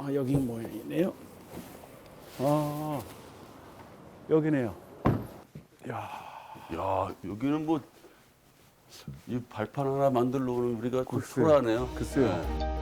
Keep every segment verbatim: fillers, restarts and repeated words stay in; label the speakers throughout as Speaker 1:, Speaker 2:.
Speaker 1: 아, 여기 모양이네요. 아, 여기네요. 야,
Speaker 2: 야, 여기는 뭐, 이 발판 하나 만들러 오는 우리가 좀
Speaker 1: 글쎄요.
Speaker 2: 초라하네요.
Speaker 1: 글쎄요.
Speaker 2: 네.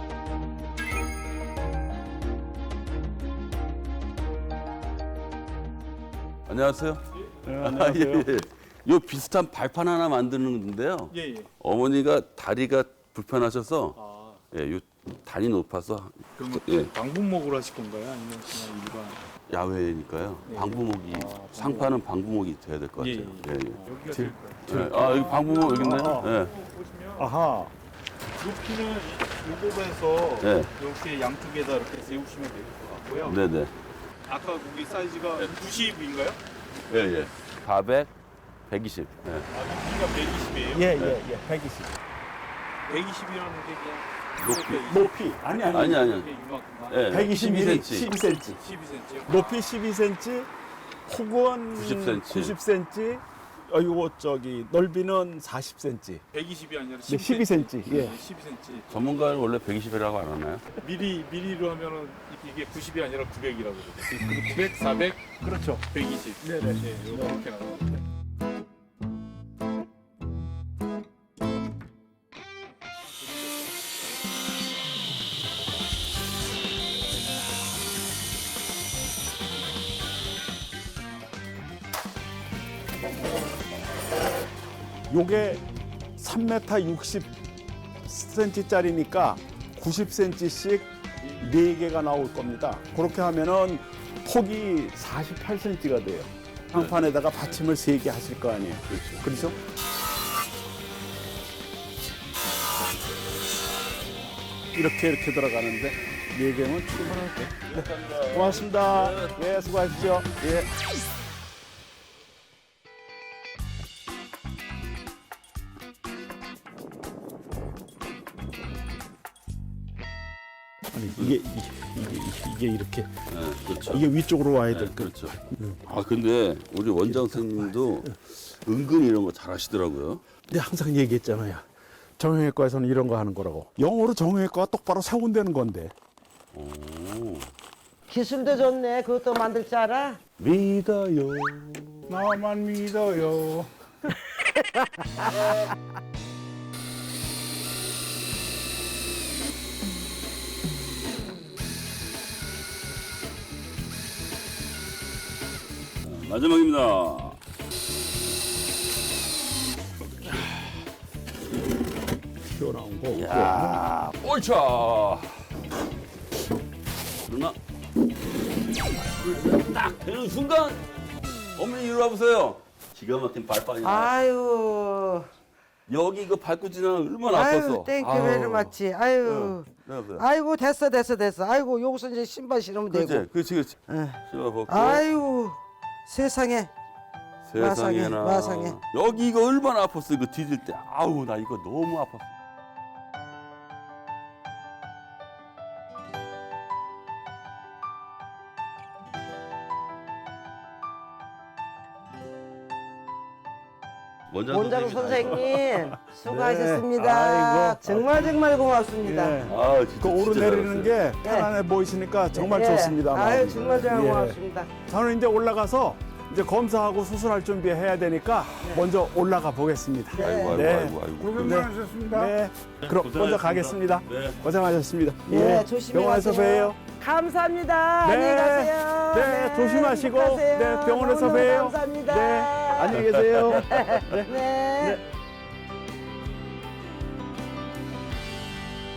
Speaker 2: 안녕하세요.
Speaker 1: 네,
Speaker 2: 아,
Speaker 1: 안녕하세요.
Speaker 2: 예, 예. 요 비슷한 발판 하나 만드는데요.
Speaker 3: 예, 예.
Speaker 2: 어머니가 다리가 불편하셔서
Speaker 3: 아,
Speaker 2: 예, 요 단이 높아서
Speaker 3: 그럼 뭐
Speaker 2: 예,
Speaker 3: 방분목으로 하실 건가요? 아니면 그냥 일반?
Speaker 2: 야외니까요.
Speaker 3: 예.
Speaker 2: 방부목이
Speaker 3: 아, 방부목.
Speaker 2: 상판은 방부목이 돼야 될 것 같아요.
Speaker 3: 예, 예.
Speaker 2: 예, 예.
Speaker 3: 여기가
Speaker 1: 제-
Speaker 3: 될까요?
Speaker 2: 예. 아, 여기 방부목 여기 있네.
Speaker 1: 아,
Speaker 2: 예.
Speaker 3: 보시면
Speaker 1: 아하.
Speaker 3: 높이는 이 요법에서
Speaker 2: 네.
Speaker 3: 이렇게 양쪽에다 이렇게 세우시면 될 것 같고요.
Speaker 2: 네, 네.
Speaker 3: 아까 거기 사이즈가 구십인가요?
Speaker 2: 예, 예. 사백, 백이십. 예.
Speaker 3: 아, 여기가 백이십이에요?
Speaker 1: 예, 예, 예. 백이십.
Speaker 3: 백이십이라는 게 그냥
Speaker 2: 높이.
Speaker 3: 이렇게
Speaker 1: 높이. 아니, 아니.
Speaker 2: 아니, 아니.
Speaker 3: 이렇게 이만큼만.
Speaker 2: 예.
Speaker 1: 백이십일,
Speaker 2: 십이 센티미터.
Speaker 1: 십이 센티미터.
Speaker 3: 십이 센티미터.
Speaker 1: 높이 십이 센티미터, 폭은
Speaker 2: 구십 센티미터.
Speaker 1: 구십 센티미터, 어, 요거 저기 넓이는 사십 센티미터.
Speaker 3: 백이십이 아니라
Speaker 1: 네,
Speaker 3: 십이
Speaker 1: 십이 센티미터. 예.
Speaker 3: 네, 십이 센티미터.
Speaker 2: 전문가는 원래 백이십이라고 안 하나요?
Speaker 3: 미리 미리로 하면은 이게 구십이 아니라 구백이라고 그러죠. 구백, 사백,
Speaker 1: 그렇죠.
Speaker 3: 백이십.
Speaker 1: 네, 네.
Speaker 3: 네, 이렇게 나갑니다.
Speaker 1: 요게 삼 미터 육십 센티미터짜리니까 구십 센티미터씩 네 개가 나올 겁니다. 그렇게 하면은 폭이 사십팔 센티미터가 돼요. 상판에다가 받침을 세 개 하실 거 아니에요.
Speaker 2: 그렇죠.
Speaker 1: 그렇죠? 이렇게 이렇게 들어가는데 네 개면 충분할 때. 네. 고맙습니다. 네, 수고하십시오. 예. 아니 이게 이게 이게, 이게 이렇게
Speaker 2: 예, 그렇죠.
Speaker 1: 이게 위쪽으로 와야
Speaker 2: 예,
Speaker 1: 될 거.
Speaker 2: 그렇죠. 아, 근데 우리 원장 선생님도 은근히 이런 거 잘하시더라고요.
Speaker 1: 근데 항상 얘기했잖아요. 정형외과에서는 이런 거 하는 거라고. 영어로 정형외과가 똑바로 세운다는 건데.
Speaker 2: 오.
Speaker 4: 기술도 좋네. 그것도 만들 줄 알아?
Speaker 1: 믿어요. 나만 믿어요.
Speaker 2: 마지막입니다.
Speaker 1: 튀어나온 거.
Speaker 2: 야, 옳죠. 누나, 딱 되는 순간, 어머니 이리 와보세요. 기가 막힌 발판이야.
Speaker 4: 아유,
Speaker 2: 여기 이거 밟고 지나면 얼마나
Speaker 4: 아유,
Speaker 2: 아팠어.
Speaker 4: 땡큐
Speaker 2: 아유.
Speaker 4: 베리 마치. 아유,
Speaker 2: 네, 네.
Speaker 4: 아이고 됐어, 됐어, 됐어. 아이고 여기서 이제 신발 신으면 되고.
Speaker 2: 그렇지, 그렇지, 그렇지.
Speaker 4: 응.
Speaker 2: 신발 벗고.
Speaker 4: 아유, 세상에.
Speaker 2: 세상에나.
Speaker 4: 마상에, 마상에.
Speaker 2: 여기 이거 얼마나 아팠어, 이거 디딜 때. 아우, 나 이거 너무 아팠어. 원장,
Speaker 4: 원장
Speaker 2: 선생님이
Speaker 4: 선생님 수고하셨습니다.
Speaker 1: 네. 아이고.
Speaker 4: 정말 정말 고맙습니다.
Speaker 1: 예.
Speaker 2: 다- 아, 진짜.
Speaker 1: 그 오르내리는
Speaker 2: 진짜
Speaker 1: 게 편안해 보이시니까 정말
Speaker 4: 예.
Speaker 1: 좋습니다.
Speaker 4: 아유
Speaker 1: 마음이.
Speaker 4: 정말 정말
Speaker 1: 예.
Speaker 4: 고맙습니다.
Speaker 1: 저는 이제 올라가서 이제 검사하고 수술할 준비해야 되니까 먼저 올라가 보겠습니다.
Speaker 2: 아이고, 아이고,
Speaker 1: 네.
Speaker 2: 아이고, 아이고.
Speaker 1: 고생 많으셨습니다. 네. 그럼 먼저
Speaker 2: 고생하셨습니다.
Speaker 1: 가겠습니다.
Speaker 2: 네.
Speaker 1: 고생하셨습니다.
Speaker 4: 네,
Speaker 1: 예.
Speaker 4: 조심히
Speaker 1: 병원에서
Speaker 4: 가세요.
Speaker 1: 봬요.
Speaker 4: 감사합니다.
Speaker 1: 네.
Speaker 4: 안녕히 가세요.
Speaker 1: 네, 조심하시고
Speaker 4: 행복하세요.
Speaker 1: 네, 병원에서
Speaker 4: 너무너무
Speaker 1: 봬요.
Speaker 4: 감사합니다.
Speaker 1: 네, 안녕히 계세요.
Speaker 4: 네.